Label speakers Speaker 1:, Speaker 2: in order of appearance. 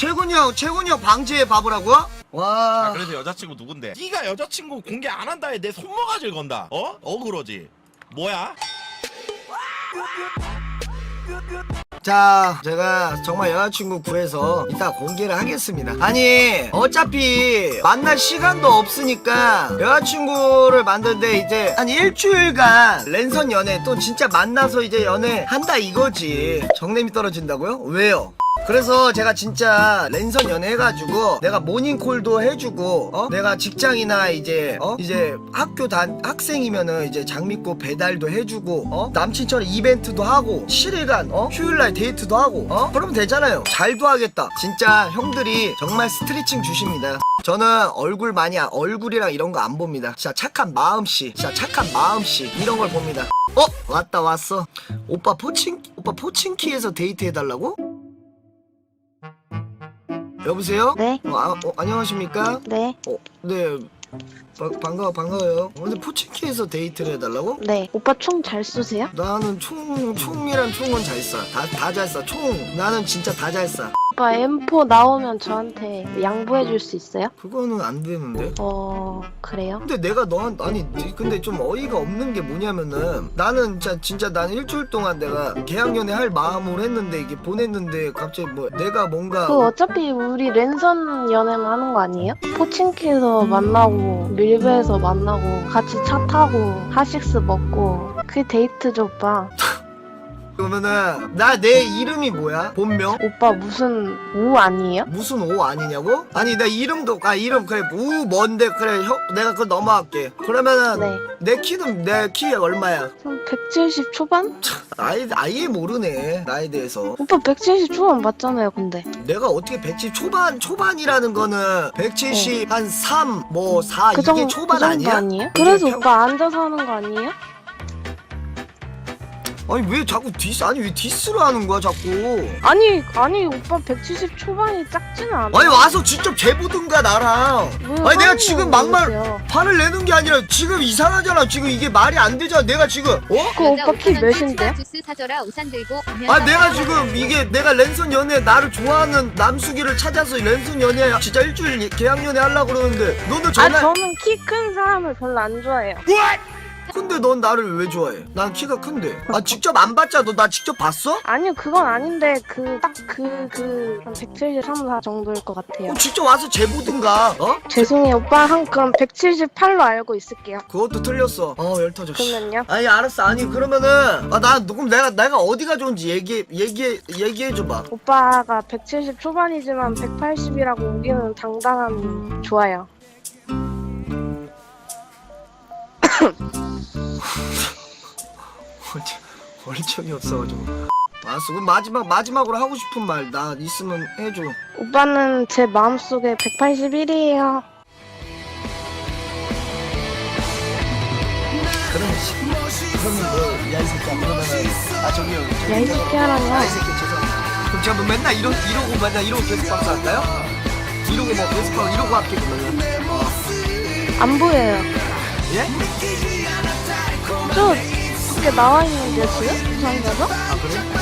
Speaker 1: 최군이 형 방지에 바보라고? 와.
Speaker 2: 아, 그래서 여자친구 누군데? 네가 여자친구 공개 안 한다에 내 손모가지를 건다. 어? 억울하지. 뭐야?
Speaker 1: 자, 제가 정말 여자친구 구해서 이따 공개를 하겠습니다. 아니, 어차피 만날 시간도 없으니까 여자친구를 만드는데 이제 한 일주일간 랜선 연애 또 진짜 만나서 이제 연애 한다 이거지. 정냄이 떨어진다고요? 왜요? 그래서 제가 진짜 랜선 연애해가지고 내가 모닝콜도 해주고 내가 직장이나 이제 학생이면은 이제 장미꽃 배달도 해주고 남친처럼 이벤트도 하고 7일간 휴일날 데이트도 하고 그러면 되잖아요. 잘도 하겠다. 진짜 형들이 정말 스트레칭 주십니다. 저는 얼굴이랑 이런 거 안 봅니다. 진짜 착한 마음씨 이런 걸 봅니다. 왔어. 오빠 포친키에서 데이트 해달라고? 여보세요?
Speaker 3: 네.
Speaker 1: 안녕하십니까?
Speaker 3: 네.
Speaker 1: 네. 반가워요. 근데 포친키에서 데이트를 해달라고?
Speaker 3: 네. 오빠 총 잘 쏘세요?
Speaker 1: 나는 총이란 총은 잘 쏴. 다 잘 쏴. 나는 진짜 다 잘 쏴.
Speaker 3: 오빠 M4 나오면 저한테 양보해 줄 수 있어요?
Speaker 1: 그거는 안 되는데?
Speaker 3: 그래요?
Speaker 1: 근데 내가 근데 좀 어이가 없는 게 뭐냐면은 나는 진짜 나는 일주일 동안 내가 계약연애 할 마음으로 했는데 이게 보냈는데 갑자기 내가 뭔가
Speaker 3: 어차피 우리 랜선 연애만 하는 거 아니에요? 포친키에서 만나고 밀배에서 만나고 같이 차 타고 하식스 먹고 그게 데이트죠 오빠.
Speaker 1: 그러면은 내 이름이 뭐야? 본명?
Speaker 3: 오빠 무슨 우 아니에요?
Speaker 1: 무슨 오 아니냐고? 아니 내 이름도 이름 그래 우 뭔데 그래 형 내가 그거 넘어갈게. 그러면은
Speaker 3: 네.
Speaker 1: 내 키 얼마야?
Speaker 3: 그럼 170 초반?
Speaker 1: 아예 모르네 나에 대해서.
Speaker 3: 오빠 170 초반 맞잖아요 근데.
Speaker 1: 내가 어떻게 170 초반이라는 거는 170 한 3 4
Speaker 3: 그
Speaker 1: 이게
Speaker 3: 정도,
Speaker 1: 초반
Speaker 3: 그 정도
Speaker 1: 아니야?
Speaker 3: 아니에요? 그래서 오빠 앉아서 하는 거 아니에요?
Speaker 1: 아니 왜 자꾸 왜 디스를 하는 거야 자꾸.
Speaker 3: 아니 오빠 170 초반이 작지는 않아.
Speaker 1: 아니 와서 직접 재보든가 나랑. 아니 내가 지금 막말 화를 내는 게 아니라 지금 이상하잖아. 지금 이게 말이 안 되잖아. 내가 지금
Speaker 3: 그 오빠 키 몇인데?
Speaker 1: 내가 지금 이게 내가 랜선 연애 나를 좋아하는 남수기를 찾아서 랜선 연애 진짜 일주일 계약 연애 하려고 그러는데 너는
Speaker 3: 저는 키 큰 사람을 별로 안 좋아해요.
Speaker 1: 근데 넌 나를 왜 좋아해? 난 키가 큰데. 직접 안 봤잖아. 너 나 직접 봤어?
Speaker 3: 아니요 그건 아닌데 한 173, 4 정도일 것 같아요.
Speaker 1: 직접 와서 재보든가.
Speaker 3: 죄송해요 오빠 그럼 178로 알고 있을게요.
Speaker 1: 그것도 틀렸어. 열 터져.
Speaker 3: 그러면요?
Speaker 1: 아니 알았어. 아니 그러면은 그럼 내가 어디가 좋은지 얘기해 줘봐.
Speaker 3: 오빠가 170 초반이지만 180이라고 우기는 당당함이 좋아요.
Speaker 1: 얼척이 없어가지고. 알았어. 그럼 마지막으로 하고 싶은 말 나 있으면 해줘.
Speaker 3: 오빠는 제 마음속에 181이에요.
Speaker 1: 그러면 야 이 새끼야 그러면은 저기요.
Speaker 3: 야 이 새끼야라뇨.
Speaker 1: 이 새끼 죄송합니다. 그럼 제가 맨날 이러고 계속 방송할까요? 이러고 계속 하고 이러고 할게 그러면.
Speaker 3: 안 보여요.
Speaker 1: 예?
Speaker 3: 저 밖에 나와 있는데요 지금? 부산에서?
Speaker 1: 그래?